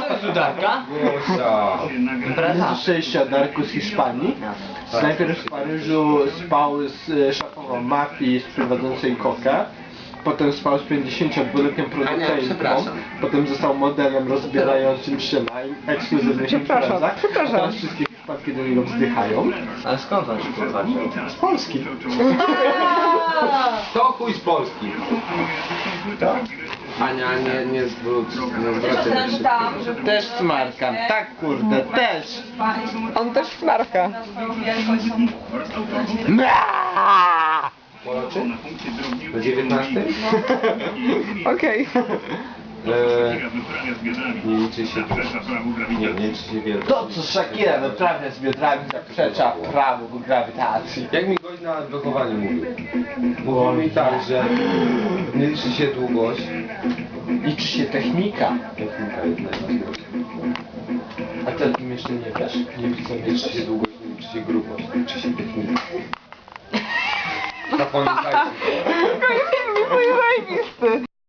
to jest udarka? Gosia. Impreza. Słyszeliście o Darku z Hiszpanii? Najpierw w Paryżu spał z szefową mafii sprowadzącej kokę. Potem spał z 52-letnią producentką. przepraszam. Potem został modelem rozbierającym się na ekskluzywnych imprezach. A teraz wszystkie przypadki do niego wzdychają. Ale skąd on się kurwa wziął? Z Polski. To chuj z Polski. Ania, nie zwróć się. Też smarkam. Tak kurde, też. On też smarka. Polacy? Na 19? Okej. Nie liczy się nie liczy się wiele. To co Shakira wyprawia z biodrami zaprzecza prawu grawitacji. Jak mi gość na wychowaniu mówił? Mówił mi tak, że nie liczy się długość. Liczy się technika. Technika jest najważniejsza. A ty o tym jeszcze nie wiesz? Nie liczy się długość, nie liczy się grubość, liczy się technika. Zapamiętajcie. Film jest zajebisty.